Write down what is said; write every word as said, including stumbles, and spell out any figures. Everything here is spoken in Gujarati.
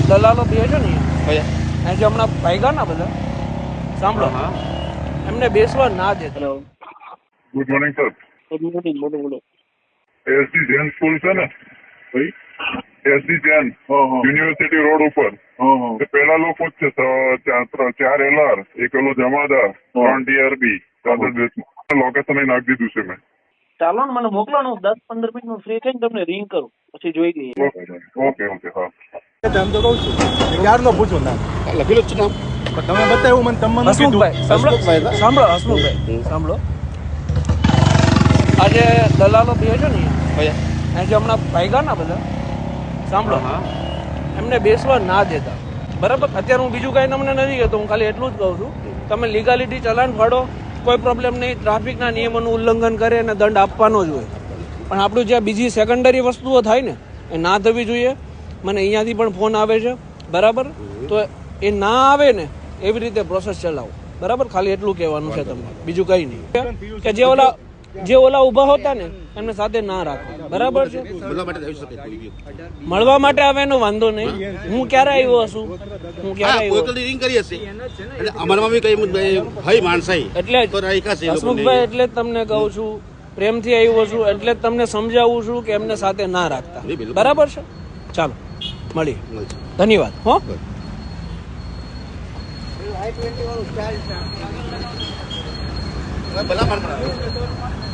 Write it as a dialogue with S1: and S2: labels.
S1: દલાલો બે છે ને એ જે હમણાં ભાગ્યા ના બધા સાંભળો એમને બેસવા ના દેતા.
S2: Good morning sir.
S1: Good morning. બોલો બોલો.
S2: એસડી જૈન સ્કૂલ છે ને ભાઈ, એસડી જૈન યુનિવર્સિટી રોડ ઉપર પેલા લોકો જ છે, ચાર એલઆર, એક પેલો જમાદાર, ત્રણ ડીઆરબી, લોકેશન નાખી દીધું છે મેં.
S1: ચાલો ને મને મોકલો ને, હું દસ પંદર મિનિટ માં ફ્રી થઈને તમને રિંગ કરું, પછી જોઈ લઈએ.
S2: ઓકે ઓકે હા.
S3: આમ તો કહું છું ક્યારનો પૂછો નામ લખેલું જ છે નામ, તમે બતાવ્યું મને, તમને
S1: હસમુખભાઈ સાંભળો સાંભળો હસમુખભાઈ સાંભળો, આજે દલાલો બે છે ને એ જે હમણાં ભાગ્યા ના બધા સાંભળો એમને બેસવા ના દેતા. બરાબર, અત્યારે હું બીજું કાંઈ તમને નથી કહેતો, હું ખાલી એટલું જ કહું છું, તમે લીગાલિટી ચલાન ફાડો, કોઈ પ્રોબ્લેમ નહીં, ટ્રાફિકના નિયમોનું ઉલ્લંઘન કરે અને દંડ આપવાનો જ હોય. પણ આપણું જ્યાં બીજી સેકન્ડરી વસ્તુઓ થાય ને એ ના થવી જોઈએ. મને અહીંયાથી પણ ફોન આવે છે, બરાબર, તો એ ના આવે ને એવી રીતે પ્રોસેસ ચલાવો. બરાબર, ખાલી એટલું કહેવાનું છે તમને, બીજું કંઈ નહીં. કે જે ઓલા જે ઓલા ઊભા હોતા ને એમને સાથે ના રાખો. બરાબર છે, મળવા માટે આવે એનો વાંધો નહીં. હું ક્યારે આવ્યો હશું, હું ક્યારે આવ્યો એટલે હસમુખભાઈ, એટલે જ તમને કહું છું, પ્રેમથી આવ્યો છું, એટલે જ તમને સમજાવું છું કે એમને સાથે ના રાખતા. બરાબર છે, ચાલો મળીએ, ધન્યવાદ. હો
S3: ભલા